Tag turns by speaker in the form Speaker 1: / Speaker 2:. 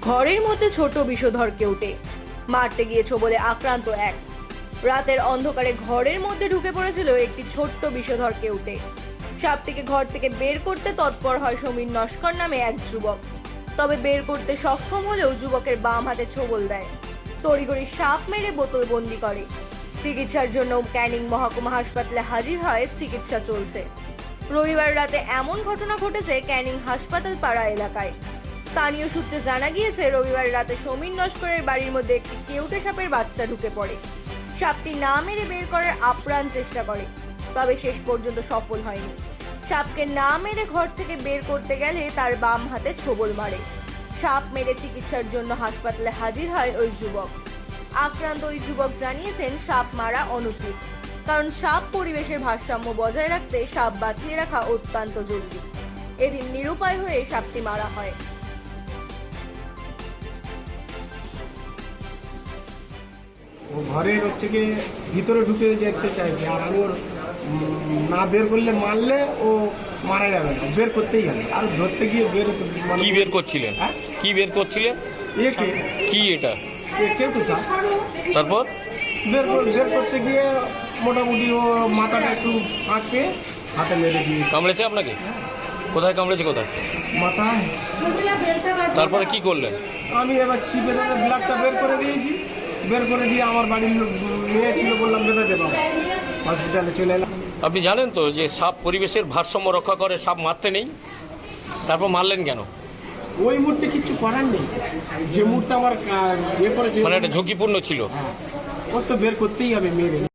Speaker 1: ঘরের মধ্যে ছোট বিষধর কেউটে মারতে গিয়েছো বলে আক্রান্ত এক। রাতের অন্ধকারে ঘরের মধ্যে ঢুকে পড়েছিল একটি ছোট্ট বিষধর কেউটে। সাপটিকে ঘর থেকে বের করতে তৎপর হয় সমীর নস্কর নামে এক যুবক। তবে বের করতে সক্ষম হলেও যুবকের বাম হাতে ছোবল দেয়। তড়িঘড়ি সাপ মেরে বোতলবন্দি করে। চিকিৎসার জন্য ক্যানিং মহকুমা হাসপাতালে হাজির হয়, চিকিৎসা চলছে। রবিবার রাতে এমন ঘটনা ঘটেছে ক্যানিং হাসপাতাল পাড়া এলাকায়। স্থানীয় সূত্রে জানা গিয়েছে, রবিবার রাতে সমীর নস্করের বাড়ির মধ্যে একটি কেউটে সাপের বাচ্চা ঢুকে পড়ে। সাপটি না মেরে বের করার আপ্রাণ চেষ্টা করে, তবে শেষ পর্যন্ত সফল হয়নি। সাপকে না মেরে ঘর থেকে বের করতে গেলে তার বাম হাতে ছোবল মারে। সাপ মেরে চিকিৎসার জন্য হাসপাতালে হাজির হয় ওই যুবক। আক্রান্ত ওই যুবক জানিয়েছেন, সাপ মারা অনুচিত, কারণ সাপ পরিবেশের ভারসাম্য বজায় রাখতে সাপ বাঁচিয়ে রাখা অত্যন্ত জরুরি। এদিন নিরুপায় হয়ে সাপটি মারা হয়।
Speaker 2: ও ঘরের হচ্ছে গিয়ে ভিতরে ঢুকে যেতে চাইছে, আর আমি ওর না বের করলে মারলে ও মারা যাবে না, বের করতেই হবে। আর ধরতে গিয়ে
Speaker 3: কি বের করছিলেন?
Speaker 2: হ্যাঁ?
Speaker 3: কি বের করছিলেন? কি এটা?
Speaker 2: কেউ তো স্যার
Speaker 3: তারপর
Speaker 2: বের করতে গিয়ে মোটামুটি ও মাথাটা একটু আঁকে হাতে মেরে দিয়ে
Speaker 3: কামড়েছে আপনাকে? কোথায় কামড়েছে? কোথায়?
Speaker 2: মাথায়।
Speaker 3: তারপরে কি করলেন?
Speaker 2: আমি এবার ছিপে ধরে ব্লাডটা বের করে দিয়েছি। বের করে দিয়ে আমার বাড়ির মেয়ে ছিল, বললাম যেতে দেবো, হসপিটালে চলে এলাম।
Speaker 3: আপনি জানেন তো যে সাপ পরিবেশের ভারসাম্য রক্ষা করে, সাপ মারতে নেই, তারপর মারলেন কেন?
Speaker 2: ওই মুহূর্তে কিচ্ছু করার নেই, যে মুহূর্তে আমার ইয়ে করেছে
Speaker 3: মানে এটা ঝুঁকিপূর্ণ ছিল।
Speaker 2: ওর তো বের করতেই হবে মেরে।